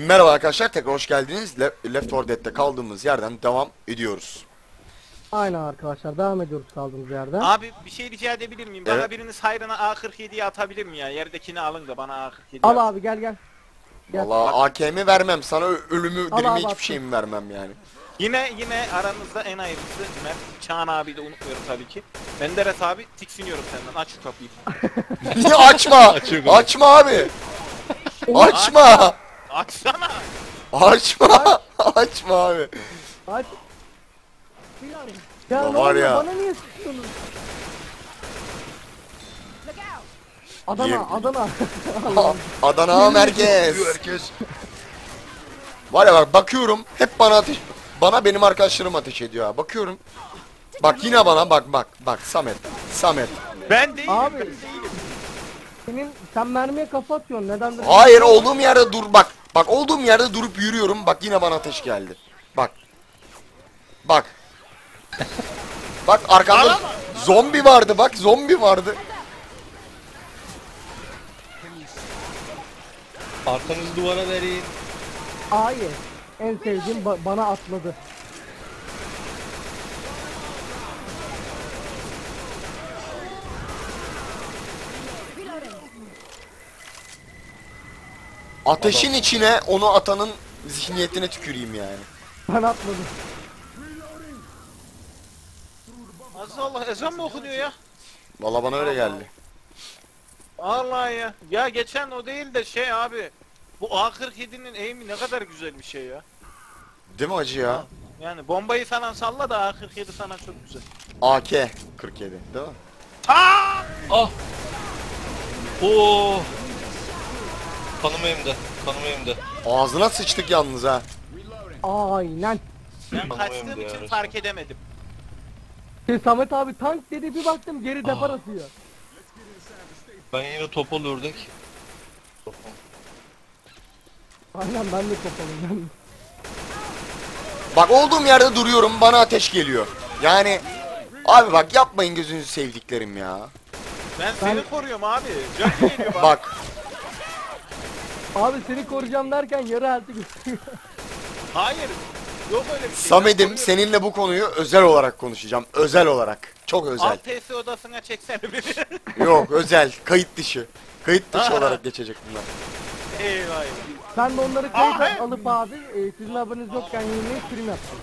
Merhaba arkadaşlar, tekrar hoş geldiniz. Left 4 Dead'de kaldığımız yerden devam ediyoruz. Aynen arkadaşlar, devam ediyoruz kaldığımız yerden. Abi bir şey rica edebilir miyim? Evet. Bana biriniz hayrına A47'yi atabilir mi ya? Yerdekini alın da bana A47 Al at. abi, gel. Gel. Vallahi AK'mi vermem sana, ölümü Al dirimi abi, hiçbir attım. şeyimi vermem yani. Yine aranızda en hayırlısı Mert. Çağan abi de unutmuyorum tabii ki. Menderes abi tiksiniyorum senden. Aç şu kapıyı. Niye açma? Açma abi. Açma. Açsana. Açma. Açma abi. Aç. Ya Ya ne var oluyor? ya. Bana niye sıkıyorsunuz? Adana, Yem- Adana. Adana merkez. Var ya bak, bakıyorum hep bana benim arkadaşlarım ateş ediyor ha. Bakıyorum. Bak yine bana bak Samet. Ben değilim. Abi. Ben değilim. Sen mermiye kafa atıyorsun. Neden? Hayır, olduğum yerde dur bak. Bak olduğum yerde durup yürüyorum. Bak yine bana ateş geldi. Bak. Bak. Bak arkamda zombi vardı, bak zombi vardı. Arkanızı duvara verin. Hayır. En sevdiğim bana atladı. Ateşin içine onu atanın zihniyetine tüküreyim yani. Ben atladım. Allah, ezan mı okunuyor ya? Vallahi bana öyle geldi. Allah ya. Ya geçen o değil de şey abi. Bu A47'nin aim'i ne kadar güzel bir şey ya. Değil mi acı ya? Yani bombayı falan salla da A47 sana çok güzel. AK 47 değil mi? Aa! Ah! Oo! Kanım elimde. Kanım elimde. Ağzına sıçtık yalnız ha. Aynen. Ben Tamam, kaçtığım ya, için resmen. fark edemedim. Samet abi tank dedi, bir baktım geri depar atıyor. Ben yine topal ördek. Aynen, ben de kopalım ben. Bak olduğum yerde duruyorum, bana ateş geliyor. Yani abi bak yapmayın gözünüzü sevdiklerim ya. Ben seni koruyorum abi. Can geliyor bana. Bak Abi seni koruyacağım derken yarı elti gösteriyor. Hayır. Yok öyle bir şey. Ben Samet'im, koruyorum. seninle bu konuyu özel olarak konuşacağım. Özel olarak. Çok özel. Alt TS odasına çeksene beni. Yok, özel. Kayıt dışı. Kayıt dışı Aha. olarak geçecek bunlar. Eyvah eyvah. Ben de onları kayıt Aa, alıp abi sizin haberiniz yokken yemeği stream yaptım.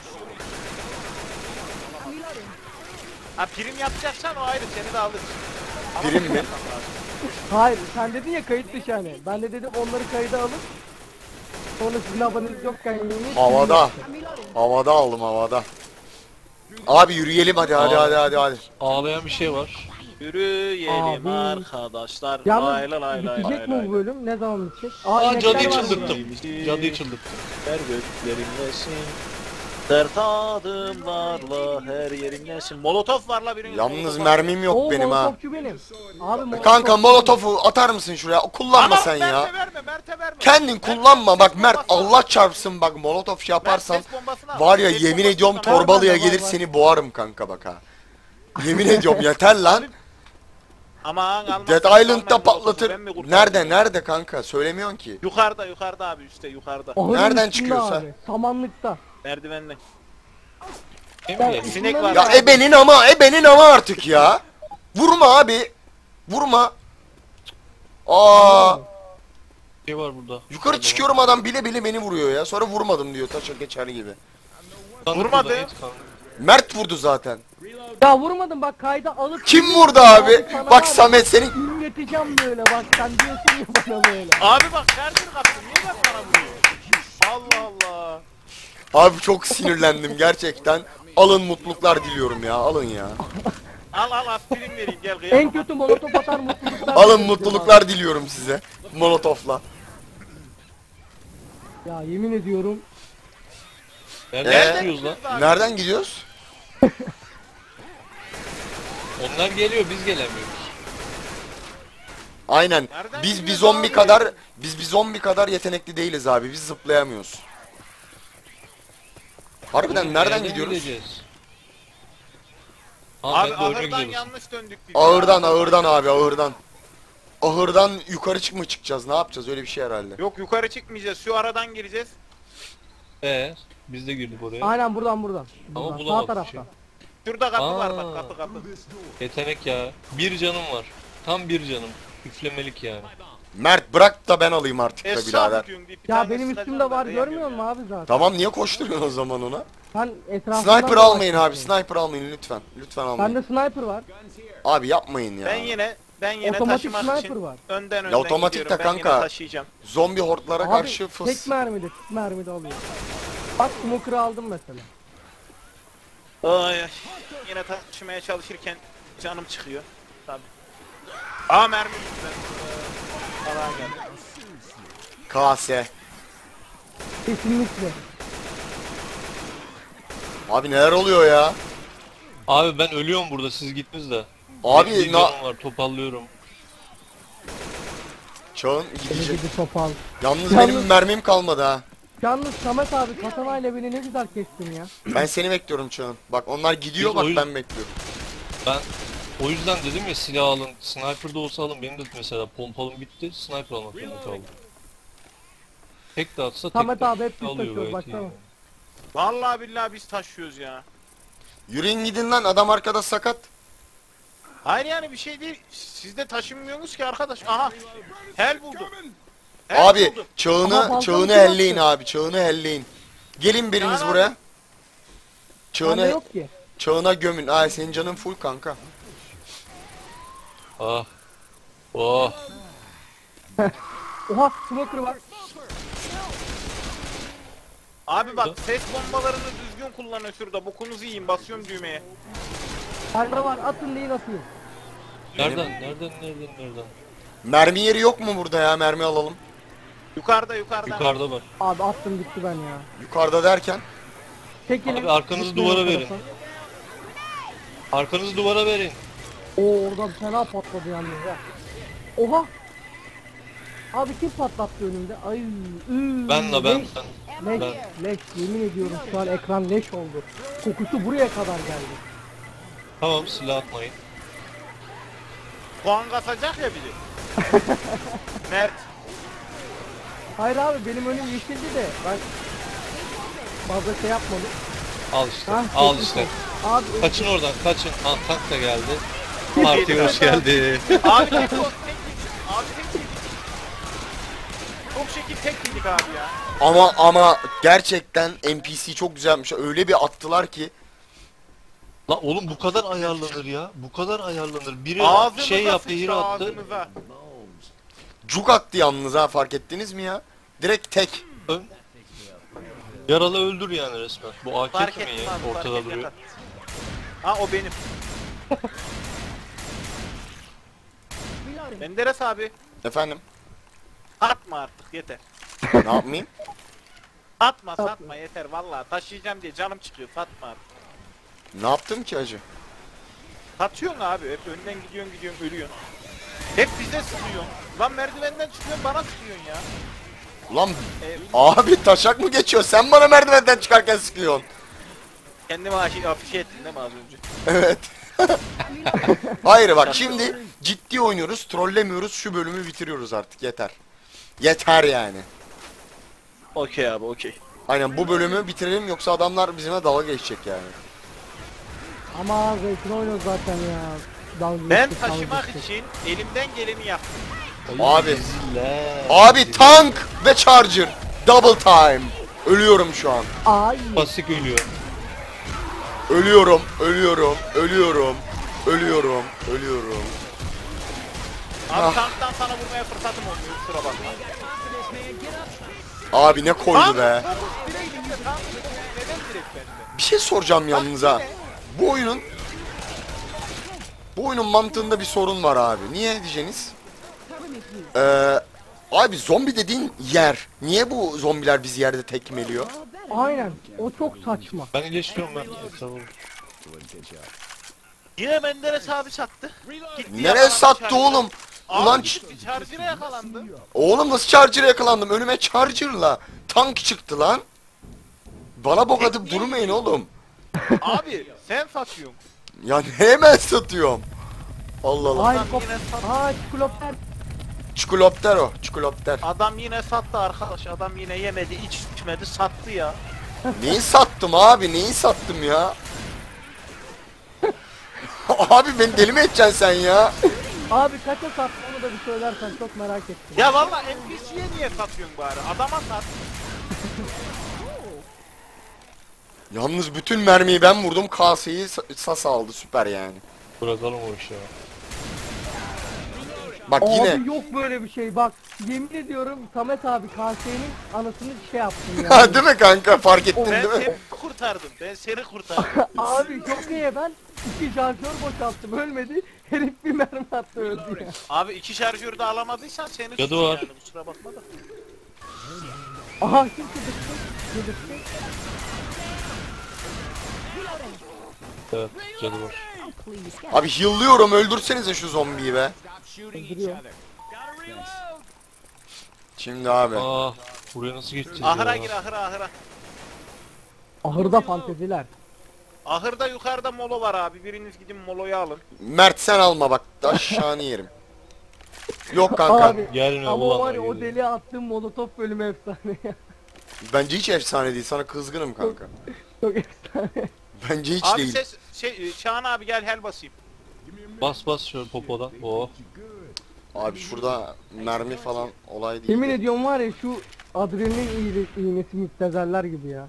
Ha prim yapacaksan o ayrı seni de alırız. Ama Prim mi? Hayır, sen dedin ya kayıt dışı hani. Ben de dedim onları kayda alıp sonra sizin haberiniz yokken yemeği stream Havada. yaptım. Havada aldım, havada. Abi yürüyelim hadi. Ağlayan bir şey var. Yürüyelim Abi. arkadaşlar. Yalnız Lay lay lay lay bitecek lay mi lay. bu bölüm? Ne zaman bitecek? Aa, inekler cadıyı var çıldırttım. burada. Cadıyı çıldırttım. Her göklerindesin. Sert adımlarla her yerindesin. Molotof var la birinin. Yalnız mermim yok Oo, benim ha. molotofçu benim. Abi molotofçu Kanka benim. molotofu atar mısın şuraya? Kullanma sen ya. Mert'e verme, Mert'e verme. Kendin kullanma bak Mert, Allah çarpsın bak, molotof şey yaparsan var ya, yemin ediyorum Torbalı'ya gelir seni boğarım kanka bak ha. Yemin ediyorum yeter lan. Aman almazsan Dead almayın Island'da molotofu, patlatır. ben mi kurtarayım? Nerede kanka, söylemiyorsun ki. Yukarıda abi üstte yukarıda. Ahırın Nereden üstünde çıkıyorsa? abi, samanlıkta. Merdivenden. Kim Ya, geldi? Sinek isimleri var. ne Ya abi? ebenin ama artık ya. Vurma abi. Vurma. Aa, Bir şey var burada. yukarı çıkıyorum, adam bile bile beni vuruyor ya. Sonra vurmadım diyor, taşa geçer gibi. Kanı Vurmadı. burada, et kanı. Mert vurdu zaten. Ya vurmadım bak, kayda alıp... Kim vurdu abi? Sana Bak var ya, Samet senin... ünleteceğim böyle bak, sen diyorsun ya bana böyle. Abi bak şarjını kaptım. Niye bak bana vuruyor? Allah Allah. Abi çok sinirlendim gerçekten. Alın, mutluluklar diliyorum ya, alın ya. Al aspirin vereyim gel En kıyamam. kötü molotof atar mutluluklar. Alın, diliyorum mutluluklar diliyorum size. Molotofla. abi. Ya yemin ediyorum. Nereden çıkıyoruz lan? Nereden gidiyoruz? Onlar geliyor, biz gelemiyoruz. Aynen. Nereden Biz bir gidiyoruz zombi abi? kadar yetenekli değiliz abi. Biz zıplayamıyoruz. Harbiden nereden gidiyoruz? gideceğiz? Ha, Abi ben de oyuna ahırdan gidiyoruz. yanlış döndük biz. Ağırdan abi, ağırdan. ahırdan yukarı mı çıkacağız? Ne yapacağız? Öyle bir şey herhalde. Yok yukarı çıkmayacağız. Şu aradan gireceğiz. Biz de girdik oraya. Aynen buradan. Ama Sağ bulamadık tarafta. şey. Şurada kapı Aa. var bak kapı. Yetenek ya. Bir canım var. Tam bir canım. Üflemelik yani. Mert bırak da ben alayım artık da Esra birader. diyorsun deyip bir Ya tane benim sıkacağım üstümde var da görmüyor musun dayamıyorum abi zaten? Tamam niye koşturuyorsun o zaman ona? Ben etrafından Sniper almayın abi. dolaşıyorum. Sniper almayın lütfen. Lütfen almayın. Bende sniper var. Abi yapmayın ya. ya. Ben yine Otomatik taşımak sniper için var. önden Ya otomatik gidiyorum. de Ben yine kanka. taşıyacağım. Zombi hortlara Abi karşı fıs. tek mermide alıyor. Bak smoker'ı aldım mesela. Ay ay. Yine taşımaya çalışırken canım çıkıyor. Tabii. Aa mermi yüzünden. Alan geldi. KS. Kesinlikle. Abi neler oluyor ya? Abi ben ölüyorum burada, siz gittiniz de. Abi Bir canım var, topallıyorum. Çağın Beni gidecek. gidi topal. Yalnız Yalnız- benim mermim kalmadı ha. Yalnız Samet abi katanayla beni ne güzel kestin ya. Ben seni bekliyorum Çağın. Bak onlar gidiyor Biz bak oyun- ben bekliyorum. Ben o yüzden dedim ya, silah alın. Sniper de olsa alın. Benim de mesela pompalım bitti. Sniper almak zorunda kaldım. Tek de atsa tek Samet de abi hep biz alıyor taşıyoruz, gayet iyi. baksana. Vallahi billahi biz taşıyoruz ya. Yürüyün gidin lan adam arkada sakat. Hayır yani bir şey değil. Siz de taşınmıyorsunuz ki arkadaş. Aha. Hel buldum. Hel Abi buldum. Ama Çağını balkon Çağını kim elleyin attı? abi. Çağını elleyin. Gelin biriniz Yani buraya. abi. Bende Çağını yok ki. Çağına gömün. Ay senin canın full kanka. Ah. Oh. Oha smoker var. Abi bak ses bombalarını düzgün kullanın şurada. Bokunuzu yiyin. Basıyorum düğmeye. Bende var atın deyin atayım. Nereden? Mermi yeri yok mu burada ya? Mermi alalım. Yukarıda. Yukarıda var. Abi attım gitti ben ya. Yukarıda derken. Çekilin. Abi arkanızı Gitmiyorum duvara o verin. tarafa. Arkanızı duvara verin. Oo oradan fena patladı yalnız ya. Oha. Abi kim patlattı önümde? Ay. Ben. Leş, Ben. leş. Yemin ediyorum şu an ekran leş oldu. Kokusu buraya kadar geldi. Tamam, silah atmayın. Puan kasacak ya biri. Mert. Hayır abi benim önüm yeşildi de ben fazla şey yapmadım. Al işte. Ha, Al geçmiş işte. olsun. Abi Kaçın oradan, kaçın. Ah, tank da geldi. Partiye hoş geldi. Abi tek o. Tek yedik. Abi tek yedik. Çok şekil tek yedik abi ya. Ama gerçekten NPC çok güzelmiş. Öyle bir attılar ki. La oğlum bu kadar ayarlanır ya. Bu kadar ayarlanır. Biri Ağzınıza şey yaptı, sıçtı, hero attı. ağzınıza. Cuk attı yalnız ha fark ettiniz mi ya? Direkt tek. Yaralı öldür yani resmen. Bu AK Fark kimin etmez. ya? Fark Ortada etmez. duruyor. Ha o benim. Menderes abi. Efendim? Atma artık yeter. Ne yapmayayım? Satma yeter vallahi taşıyacağım diye canım çıkıyor satma artık. Ne yaptım ki acı? Satıyorsun abi hep önden gidiyorsun ölüyorsun. Hep bize sıkıyorsun. Lan merdivenden çıkıyorsun bana sıkıyorsun ya. Ulan E, abi taşak mı geçiyor? Sen bana merdivenden çıkarken sıkıyorsun. kendime afişe ettin değil mi az önce? Evet. Hayır bak şimdi ciddi oynuyoruz, trollemiyoruz, şu bölümü bitiriyoruz artık yeter. Yeter yani. Okey abi okey. Aynen bu bölümü bitirelim yoksa adamlar bizimle dalga geçecek yani. ama zevkini oynuyoruz zaten ya. Dalga Ben geçtik, dalga taşımak geçtik. için elimden geleni yaptım. Abi. Ziller. Abi tank ve charger. Double time. Ölüyorum şu an. Ay. Pasik ölüyor. Ölüyorum. Abi tanktan sana vurmaya fırsatım olmuyor kusura bakma. Abi ne koydu be. Direkt elimde tank neden direkt bende? Bir şey soracağım yalnız ha. Bu oyunun mantığında bir sorun var abi. Niye diyeceğiniz? Abi zombi dediğin yer. Niye bu zombiler bizi yerde tekmeliyor? Aynen. O çok saçma. Ben iyileştiriyorum ben. Tamam. Yine Menderes abi sattı. Gitti Nereye yakalandı sattı charger'a. oğlum? Abi Ulan gitti charger'a yakalandı. oğlum nasıl charger'a yakalandım? Önüme charger'la tank çıktı lan. Bana bok atıp durmayın oğlum. Abi sen satıyorsun. Ya hemen satıyorum. Allah Allah. Ay Adam kop. yine sattı. Ay çikolopter. Çikolopter o. Çikolopter. Adam yine sattı arkadaş. Adam yine yemedi, içmedi, sattı ya. Neyi sattım abi? Neyi sattım ya? Abi beni deli mi edeceksin sen ya? Abi kaça sattığını da bir söylersen çok merak ettim. Ya valla NPC'ye niye satıyorsun bari? Adama sat. Yalnız bütün mermiyi ben vurdum. Kaseyi Sas aldı. Süper yani. Bırakalım o işi ya. Bak Abi yine. yok böyle bir şey bak. Yemin ediyorum Samet abi KS'nin anasını şey yaptın ya. Ha değil mi kanka? Fark ettin Ben değil mi? seni kurtardım. Ben seni kurtardım. Abi çok iyi ben 2 şarjör boşalttım ölmedi. Herif bir mermi attı öldü ya. Abi 2 şarjörü de alamadıysan seni Cadı suçum var. yani, kusura bakma da. Aha kim kıdıktı? Kıdıktı. Evet, cadı var. Abi heal'lıyorum. Öldürsenize şu zombiyi be. Öldürüyor. Şimdi abi. Aa, buraya nasıl geçeceğiz Ahıra ya? gir, ahıra. Ahırda fanteziler. Ahırda yukarıda molo var abi. Biriniz gidin moloyu alın. Mert sen alma bak. Aşağını yerim. Yok kanka. Abi Gelme ama ulan var ya lan, o geliyor. deli attığım molotof bölümü efsane ya. Bence hiç efsane değil. Sana kızgınım kanka. Çok efsane. Bence hiç Abi değil. Şahan abi gel hel basayım. Bas şöyle popodan. Oh. Abi şurada mermi falan olay değil. Yemin ediyorum var ya şu adrenalin iğnesi müptezeller gibi ya.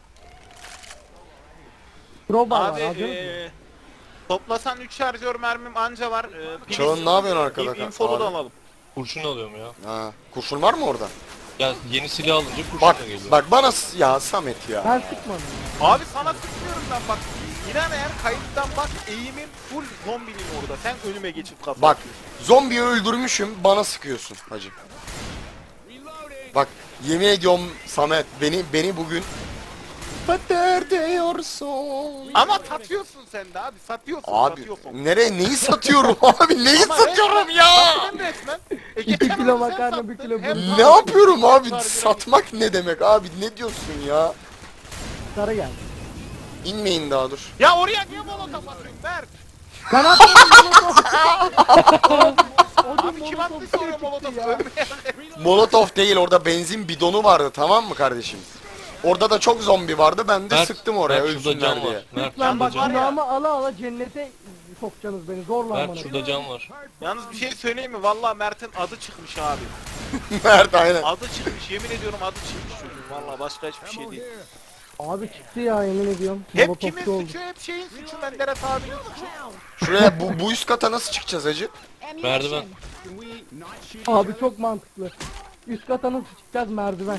Crowbar var Abi aldınız mı? toplasan 3 şarjör mermim anca var. Çağın ne yapıyorsun arkada? Infolu da Abi. alalım. Kurşun alıyorum ya. Ha, kurşun var mı orada? Ya yeni silah alınca kurşun Bak da geliyor. bak bana ya Samet ya. Ben sıkmadım. Abi sana sıkmıyorum ben bak. İnan eğer kayıttan bak eğimim full zombinin orada. Sen önüme geçip kafa Bak atıyorsun. zombiyi öldürmüşüm bana sıkıyorsun hacı. Bak yemin ediyorum Samet beni bugün Pater diyorsun. Ama satıyorsun sen de abi. Satıyorsun. Abi satıyorsun. nereye neyi satıyorum abi neyi Ama satıyorum ya? Sattın resmen. 2 geçen kilo hafta sen makarna, bir sattın. kilo Hem bulgur. Ne yapıyorum abi Hem satmak ne demek abi ne diyorsun ya? Sarı geldi. İnmeyin daha dur. Ya oraya niye molotof atıyorsun Berk? Ben atmadım molotof. O Abi gün kim molotof attıysa oraya çıktı molotof ya. ölmeye. Molotov değil orada benzin bidonu vardı tamam mı kardeşim? Orada da çok zombi vardı ben de Mert, sıktım oraya Mert, şurada ölsünler cam diye. var. Mert Lütfen şurada bak cam var. günahımı ala ala cennete sokacaksınız beni zorla Mert amına. şurada cam var. Yalnız bir şey söyleyeyim mi? Vallahi Mert'in adı çıkmış abi. Mert aynen. Adı çıkmış. Yemin ediyorum adı çıkmış çocuğun. Vallahi başka hiçbir şey değil. Abi çıktı ya yemin ediyorum. Hep Molotofçu kimin oldu. suçu? Hep şeyin suçu. Menderes abinin suçu. Şuraya bu üst kata nasıl çıkacağız hacı? Merdiven. Abi çok mantıklı. Üst kata nasıl çıkacağız merdiven.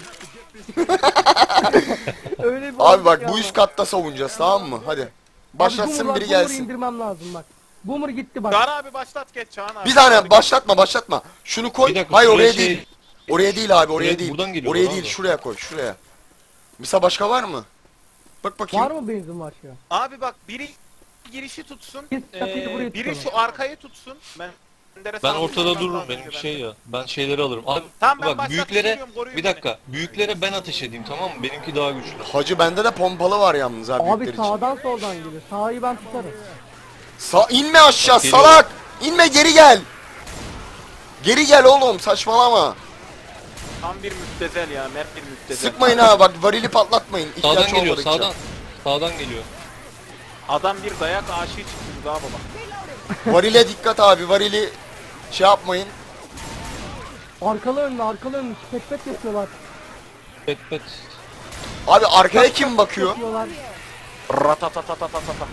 Öyle bir Abi bak olmuş bu ya. üst katta savunacağız tamam mı? Hadi. Abi Başlatsın Boomer var, biri Boomer'ı gelsin. indirmem lazım bak. Boomer gitti bak. Çağan abi başlat geç Çağan abi. Bir saniye başlatma. Şunu koy. Bir dakika, Hayır şuraya oraya şey- değil. Oraya değil abi oraya Direkt değil. buradan geliyor Oraya lan değil da. şuraya koy şuraya. Mesela başka var mı? Bak bakayım. Var mı benzin var şu an? Abi bak biri girişi tutsun. Biz kapıyı buraya Biri tutalım. şu arkayı tutsun. Menderes Ben abi ortada buradan dururum daha benim önce şey ben- ya. Ben şeyleri alırım. Abi Tamam, ben bak başlatıp büyüklere geliyorum, koruyun bir dakika. Büyüklere ben ateş edeyim tamam mı? Benimki daha güçlü. Hacı bende de pompalı var yalnız abi Abi büyükler için. sağdan soldan geliyor. Sağı ben tutarım. İnme aşağı Geliyor. salak. İnme geri gel. Geri gel oğlum saçmalama. Tam bir müptezel ya. Mert bir müptezel. Sıkmayın ha bak varili patlatmayın. Sağdan İhtiyaç geliyor olmadıkça. sağdan. Sağdan geliyor. Adam bir dayak aşığı çıktı daha baba. Varile dikkat abi varili şey yapmayın. Arkalı önlü pet pet yapıyorlar. Pet pet. Abi arkaya kim bakıyor? Yapıyorlar. Ratatatatata.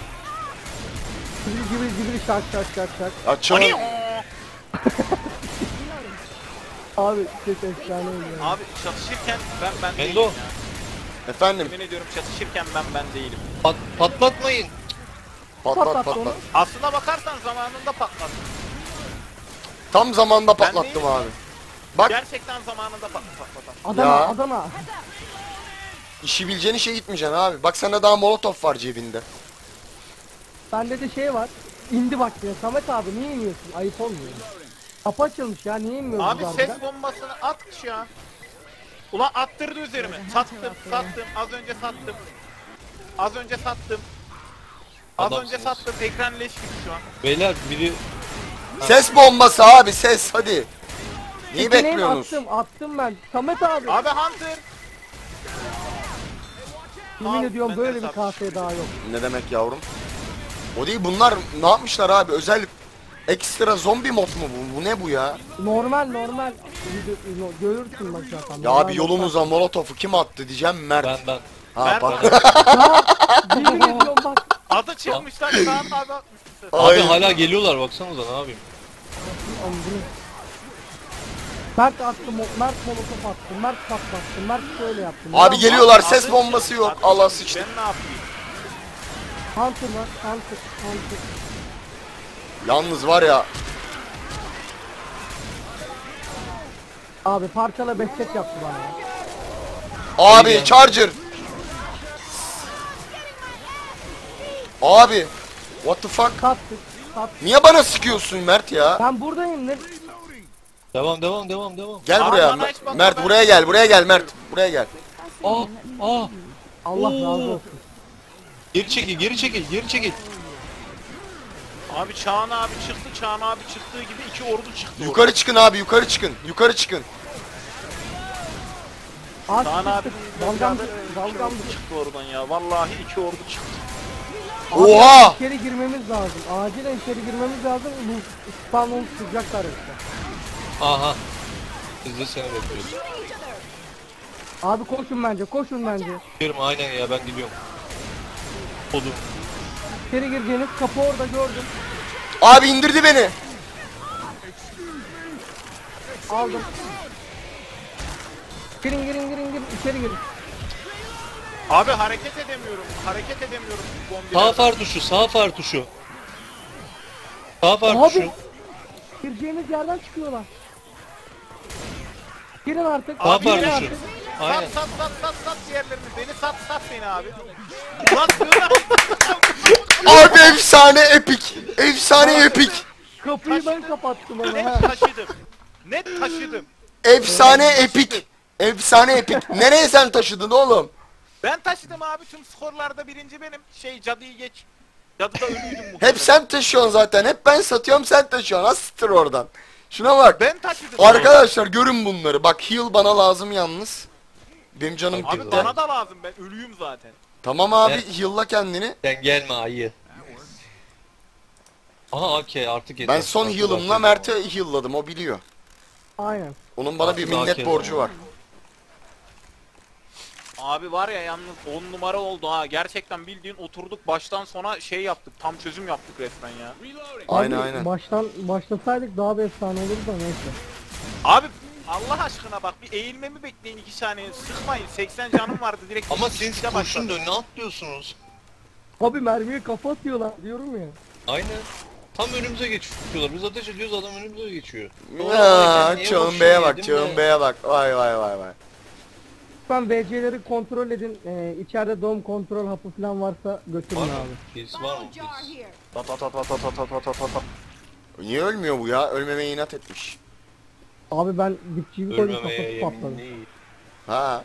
Gibi şak şak şak şak. Açın. Abi ses efsane oluyor. Abi çatışırken ben değilim Mendo. ya. Efendim Yemin ediyorum çatışırken ben değilim. Patlatmayın. patlat Patlat patlat. onu. Aslına bakarsan zamanında patlattım. Tam zamanında Ben patlattım değilim. abi. Bak Gerçekten zamanında patlattım. Adana Ya. Adana. işi bileceğin işe gitmeyeceksin abi. Bak sende daha molotof var cebinde. Bende de şey var. İndi bak ya. Samet abi niye iniyorsun? Ayıp olmuyor. Kapı açılmış ya. Niye inmiyoruz Abi harbiden? ses bombasını at ya. Ulan attırdı üzerime. Sattım. Az önce sattım. Az önce Adamsınız. sattım. Ekran leş gibi şu an. Beyler biri Ses bombası abi ses hadi. Neyi Yeteneğini bekliyorsunuz? attım ben. Samet abi. Abi Hunter. Yemin Al, ediyorum ben de böyle bir sattım. KS daha yok. Ne demek yavrum? O değil, bunlar ne yapmışlar abi? Özel ekstra zombi mod mu bu? Bu ne bu ya? Normal. Görürsün bak zaten. Ya Normal abi yolumuza molotofu kim attı diyeceğim, Mert. Ben. Ha Mert bak. Ya yemin ediyorum bak. Adı çıkmışlar Kaan abi atmışsın. Abi Ay. hala geliyorlar baksanıza ne yapayım. Oğlum bunu- Mert attı, Mert molotof attı, Mert patlattı, Mert şöyle yaptı. Abi Ya, geliyorlar, Adı ses çık- bombası yok. adı Allah çık- sıçtı. Ben ne yapayım? Hunter var, Hunter. Yalnız var ya, Abi parçala behçet yaptı bana ya. abi Charger. Abi what the fuck? Kattık. Niye bana sıkıyorsun Mert ya? Ben buradayım ne? Devam. Gel Abi buraya. bana hiç bakma, Mert ben- buraya gel Mert. Buraya gel. Aa. Allah Oo. razı olsun. Geri çekil. Abi Çağan abi çıktı. Çağan abi çıktığı gibi iki ordu çıktı. Yukarı çıkın abi, yukarı çıkın. Yukarı çıkın. Ağaç Çağan abi çıktık. Balgam balgam çıktı oradan ya. Vallahi iki ordu çıktı. Oha! İçeri girmemiz lazım. Acilen içeri girmemiz lazım. Bu spawn olup çıkacaklar işte. Aha. Biz de seni bekliyoruz. Abi koşun bence. Gidiyorum aynen ya ben gidiyorum. Odum. İçeri gireceğiniz kapı orada gördüm. Abi indirdi beni. Aldım. Girin içeri girin. Abi hareket edemiyorum. Bombiler. Sağ far tuşu. Sağ far tuşu. Abi gireceğiniz yerden çıkıyorlar. Girin artık. Sağ girin far tuşu. artık. Aynen. Sat diğerlerini. Beni sat beni abi. Ulan sığınak. Abi efsane epik. Efsane epik. Kapıyı ben kapattım ama Net ha. taşıdım. Efsane epik. Efsane epik. Nereye sen taşıdın oğlum? Ben taşıdım abi tüm skorlarda birinci benim. Cadıyı geç. Cadıda ölüydüm bu. Hep sen taşıyorsun zaten. Hep ben satıyorum, sen taşıyorsun. Asittir oradan. Şuna bak. Ben taşıdım. Arkadaşlar görün bunları. Bak heal bana lazım yalnız. Benim canım Abi gitti. bana da lazım, ben ölüyüm zaten. Tamam abi, Ne? heal'la kendini. Sen gelme ayı. Aha okey artık yeter. Ben son Artık heal'ımla artık. Mert'e heal'ladım, o biliyor. Aynen. Onun bana bir Artık minnet AK borcu var. Abi var ya yalnız 10 numara oldu ha. Gerçekten bildiğin oturduk baştan sona şey yaptık. Tam çözüm yaptık resmen ya. Aynen Abi, aynen. başlasaydık daha bir efsane olurdu da neyse. Abi Allah aşkına bak bir eğilmemi bekleyin 2 saniye. Sıkmayın. 80 canım vardı direkt. Ama ikisi siz de kurşun başladı. da ne atlıyorsunuz? Abi mermiye kafa atıyorlar diyorum ya. Aynen. Tam önümüze geçiyorlar. Biz ateş ediyoruz adam önümüze geçiyor. Ya Niye Çağın boşuna Bey'e bak, yedim Çağın de? Bey'e bak. Vay vay vay vay. Lütfen VC'leri kontrol edin. İçeride doğum kontrol hapı falan varsa götürün Var mı? abi. Birisi var mı? Jar Birisi. here. Ta. Niye ölmüyor bu ya? Ölmemeye inat etmiş. Abi ben dipçiyi koydum Ölmemeye kafası yemin patladı. değil. Ha.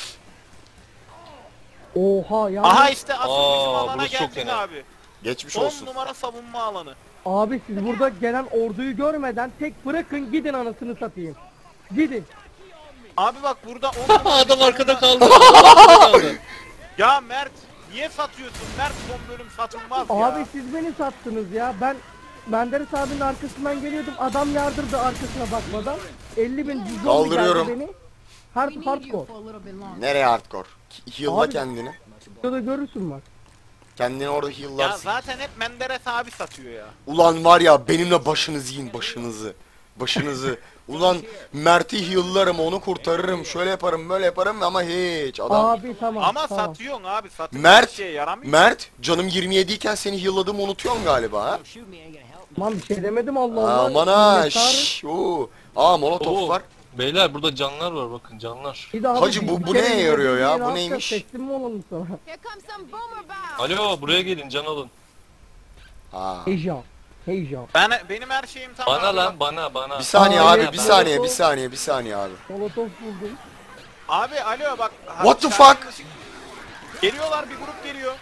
Oha ya. Aha işte asıl Aa, bizim alana burası çok geldik fena. abi. Geçmiş 10 olsun. numara savunma alanı. Abi siz burada gelen orduyu görmeden tek bırakın gidin anasını satayım. Gidin. Abi bak burada 10 numara Adam arkada savunma- kaldı. Adam arkada kaldı. Ya Mert niye satıyorsun? Mert son bölüm satılmaz ya. Abi siz beni sattınız ya. Ben Menderes abinin arkasından geliyordum. Adam yardırdı arkasına bakmadan. 50.000 cüzdan Kaldırıyorum. beni. We need you Hardcore. for a little bit longer. Nereye hardcore? Heal'la Abi- kendini. Şurada görürsün bak. Kendini orada Ya heal'larsın. zaten hep Menderes abi satıyor ya. Ulan var ya, benimle başınızı yiyin, başınızı. Başınızı. Ulan Mert'i heal'larım, onu kurtarırım. Şöyle yaparım, böyle yaparım ama hiç adam. Abi tamam. Ama tamam. satıyorsun abi satıyorsun. Mert, Bir şeye yaramıyor. Mert, canım 27 iken seni heal'ladığımı unutuyorsun galiba ha? Aman bir şey demedim Allah Allah. Aman ha, Minnettarım. şşş, oo. Aa molotof Oo, var. Beyler burada canlar var bakın canlar. Bir de abi Hacı, bir bu kere neye yarıyor ya? ne Bu yapacağız? neymiş? Teslim mi olalım sana? Here comes some boomer bombs. Alo buraya gelin can alın. Ha. Heyecan. Heyecan. Benim her şeyim tamam. Bana abi. lan bana. Bir saniye Aa, abi, evet, bir ben- saniye, bir saniye, bir saniye abi. Molotof buldum. Abi alo bak. What the şarkının fuck? ışık- Geliyorlar bir grup geliyor.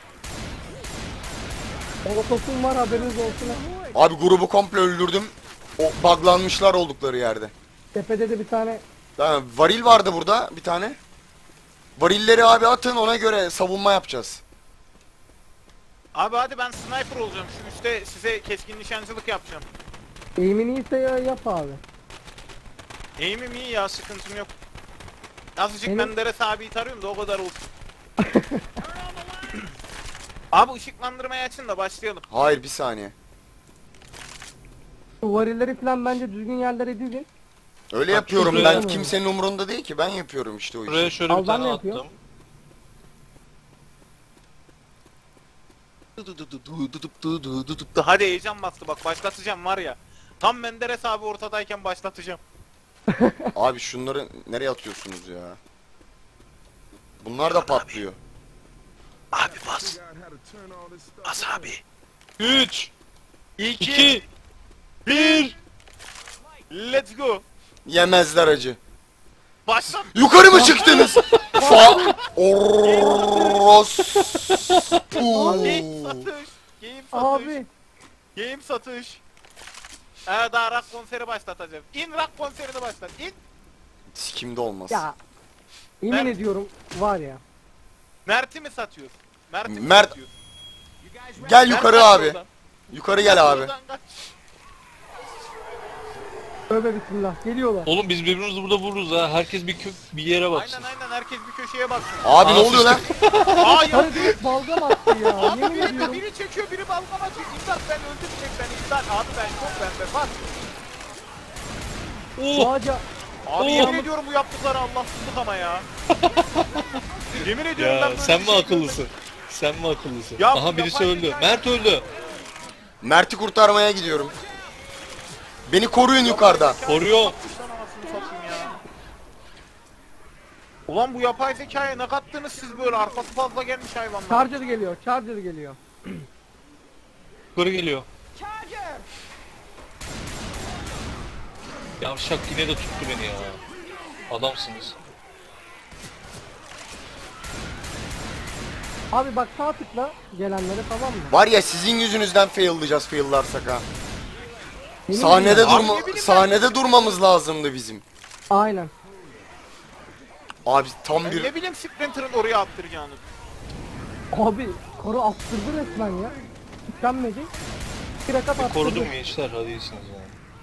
Molotofum var haberiniz olsun. ha. Abi grubu komple öldürdüm. O buglanmışlar oldukları yerde. Tepede de bir tane Tamam, varil vardı burada bir tane. Varilleri abi atın, ona göre savunma yapacağız. Abi hadi ben sniper olacağım. Şu üstte size keskin nişancılık yapacağım. aim'in iyiyse yap abi. Aim'im iyi ya, sıkıntım yok. Azıcık Benim- Menderes abiyi tarıyorum da o kadar olsun. Abi ışıklandırmayı açın da başlayalım. Hayır, bir saniye. Bu varilleri falan bence düzgün yerlere dizin. Öyle Bak, yapıyorum şuraya- ben, kimsenin umurunda değil ki, ben yapıyorum işte o Buraya işi. şöyle Al, bir ben tane ne yapıyorum? attım. Hadi heyecan bastı bak, başlatacağım var ya. Tam Menderes abi ortadayken başlatacağım. Abi şunları nereye atıyorsunuz ya? Bunlar da patlıyor. Abi bas. Bas abi. 3 2 2 1 Let's go. Yemezler acı. Başlat. Yukarı mı çıktınız? Fa Orospu. Game satış. Game satış. Abi Game satış. Daha rock konseri başlatacağım. İn rock konserini başlat. İn. Sikimde olmaz. ya yemin Ben- ediyorum var ya. Mert'i mi satıyorsun? Mert'i mi Mert- satıyorsun? Gel Mert yukarı kaç abi. yoldan? Yukarı gel abi. Yoldan kaç. Tövbe bismillah geliyorlar. Oğlum biz birbirimizi burada vururuz ha. Herkes bir yere baksın. Aynen herkes bir köşeye baksın. Abi ne Aa, oluyor lan? Hayır. Hadi direkt balgam attı ya. Abi Yemin biri, ediyorum. biri çekiyor, biri balkona atıyor. İmdat ben öldürecek beni, imdat. Abi ben çok bende bak. Bu Oh! ağaca Abi yemin ediyorum bu yaptıkları Allahsızlık ama ya. Yemin ediyorum ben Ya böyle sen bir mi şey akıllısın? Sen mi akıllısın? Ya bu Aha birisi yapay öldü. zeka- Mert öldü. Mert'i kurtarmaya gidiyorum. Beni koruyun yukarıda. Koruyor. Yapmış lan anasını satayım ya. Ulan bu yapay zekaya ne kattınız siz böyle, arkası fazla gelmiş hayvanlar. charger geliyor. Charger geliyor. Yukarı geliyor. Charger! Yavşak yine de tuttu beni ya. Adamsınız. Abi bak sağ tıkla gelenlere, tamam mı? Var ya, sizin yüzünüzden fail'layacağız fail'larsak ha. Yemin Sahnede ediyorum. Abi ne bileyim ben. sahnede durmamız lazımdı bizim. Aynen. Abi tam Ben bir ne bileyim Splinter'ın oraya attıracağını. Abi karı attırdı resmen ya. Tükenmedi. Bir rakat attırdı. Korudum gençler, hadi iyisiniz yani.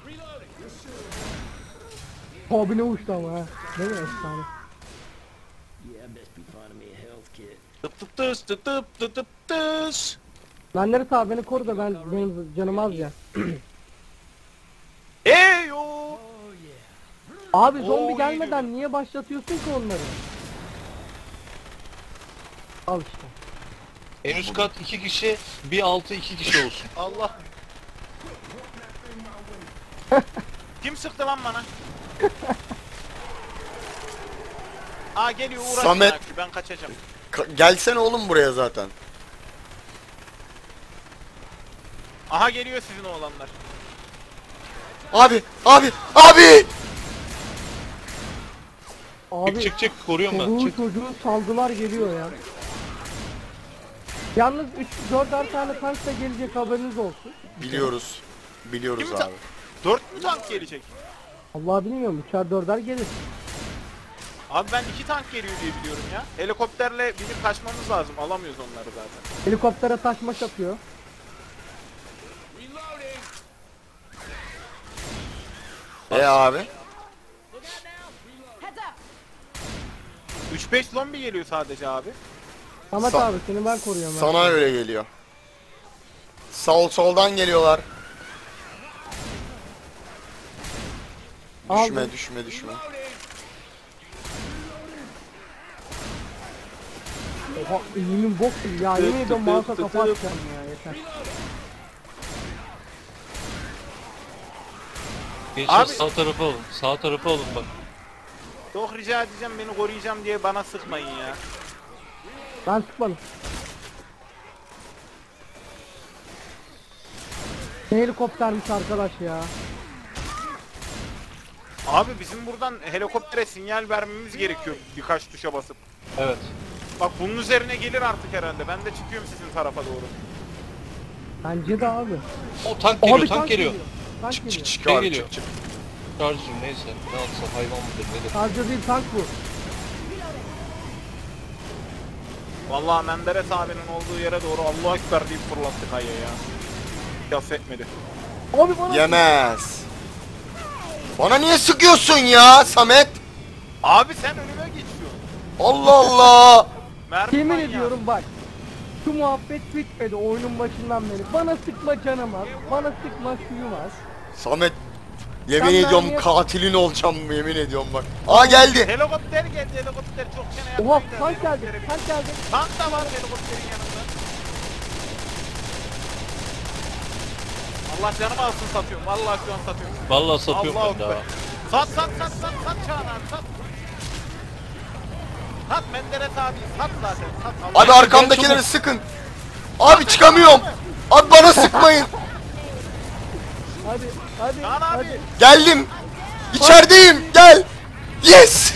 Abi ne uçtu ama ha. Değil mi efsane? Tıp tıp tıs tıp tıp tıp tıp tıs. Benleri sağ beni koru da benim canım az ya. Eyo. Abi zombi Oo, iyi gelmeden niye başlatıyorsun ki onları? Al işte. En üst kat 2 kişi, bir altı 2 kişi olsun. Allah. Kim sıktı lan bana? Aa geliyor, uğraşma. Samet. Ben kaçacağım. gelsene oğlum buraya zaten. Aha geliyor sizin oğlanlar. Abi. Abi Çık koruyorum ben. çoluğu Çık. çocuğu saldılar geliyor ya. Yalnız 3-4'er tane tank da gelecek, haberiniz olsun. Biliyoruz. Biliyoruz Kim ta- abi. 4 mü tank gelecek? Allah bilmiyorum, 3'er 4'er gelir. Abi ben 2 tank geliyor diye biliyorum ya. Helikopterle binip kaçmamız lazım. Alamıyoruz onları zaten. Helikoptere taşmaş atıyor. Abi. Heads up! 3-5 zombi geliyor sadece abi. Ahmet Sa- abi seni ben koruyorum. Sana öyle geliyor. Soldan geliyorlar. Aldım. Düşme. Oha elimin bok gibi ya, yemin ediyorum mouse'a kafa atacağım ya, yeter. Gençler Abi- sağ tarafa alın. Sağ tarafa alın bak. Çok rica edeceğim, beni koruyacağım diye bana sıkmayın ya. Ben sıkmadım. Ne helikoptermiş arkadaş ya. Abi bizim buradan helikoptere sinyal vermemiz gerekiyor birkaç tuşa basıp. Evet. Bak bunun üzerine gelir artık herhalde. Ben de çıkıyorum sizin tarafa doğru. Bence de abi. O tank geliyor, Abi tank geliyor. Tank Çık geliyor. çık çık Şey abi geliyor. çık. Charger neyse. Ne atsa hayvan mıdır nedir? Charger değil, tank bu. Vallahi Menderes abinin olduğu yere doğru Allahu Ekber deyip fırlattı kayaya ya. Yas etmedi. Abi bana Yemez. Bana niye sıkıyorsun ya Samet? Abi sen önüme geçiyorsun. Allah Allah. Mermi yemin manyağı. ediyorum bak. Şu muhabbet bitmedi oyunun başından beri. Bana sıkma canım az. Bana sıkma suyum az. Samet. Yemin Sen ediyorum mermiye- katilin olacağım yemin ediyorum bak. Aa geldi. Helikopter geldi, helikopter çok çene Oha yaptı. tank geldi. Tank geldi. Tank da var helikopterin yanında. Allah canımı alsın satıyorum. Vallahi şu an satıyorum. Vallahi satıyorum Allahu ben daha. Ekber. Sat Çağan abi sat. Sat Menderes abi sat zaten sat. Allah Abi arkamdakileri çabuk. sıkın. Abi çıkamıyorum. Abi bana sıkmayın. Hadi hadi Çağan abi. hadi. Geldim. İçerideyim. Gel. Yes.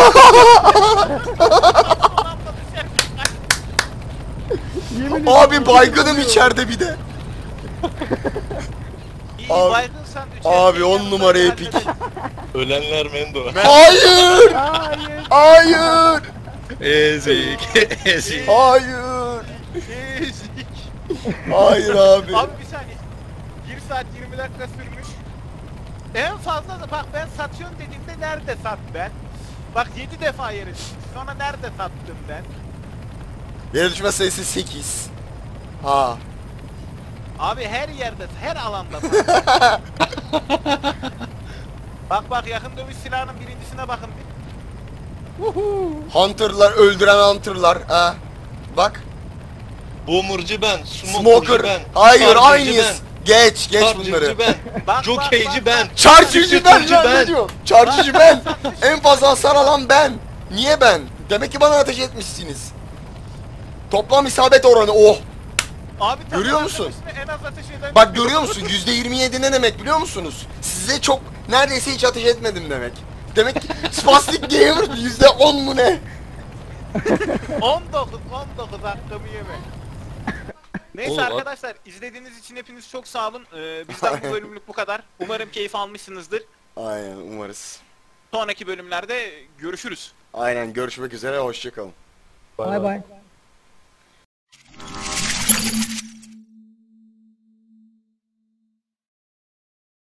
Yemin Abi ediyorum, baygınım vuruyorum. içeride bir de. İyi Abi- baygınsan Abi 10 numara epik. Ölenler Mendo. Hayır. Hayır. Hayır. Ezik. Ezik. Hayır. Ezik. Hayır abi. Abi bir saniye. 1 saat 20 dakika sürmüş. En fazla da bak ben satıyorum dediğimde nerede sat ben? Bak 7 defa yere düştüm. Sonra nerede sattım ben? Yere düşme sayısı 8. Ha. Abi her yerde, her alanda sat. Bak yakın dövüş silahının birincisine bakın bir. Hunter'lar öldüren Hunter'lar. Ha. Bak. Boomer'cı ben. Smoker. Smoker'cı ben. Hayır Charger'cı aynıyız. Geç Charger'cı bunları. ben. Bak, Jockey'ci ben. Charger'cı ben Bisikletçi lan ben. ne diyor? Charger'cı ben. En fazla hasar alan ben. Niye ben? Demek ki bana ateş etmişsiniz. Toplam isabet oranı oh. Abi Görüyor musun? En az ateş eden Bak görüyor musun? %27 ne demek biliyor musunuz? Size çok neredeyse hiç ateş etmedim demek. Demek ki Spastic Gamer %10 mu ne? 19 hakkımı yeme. Neyse Oğlum, arkadaşlar izlediğiniz için hepiniz çok sağ olun. Bizden bu bölümlük bu kadar. Umarım keyif almışsınızdır. Aynen umarız. Sonraki bölümlerde görüşürüz. Aynen görüşmek üzere hoşçakalın. Bay bay.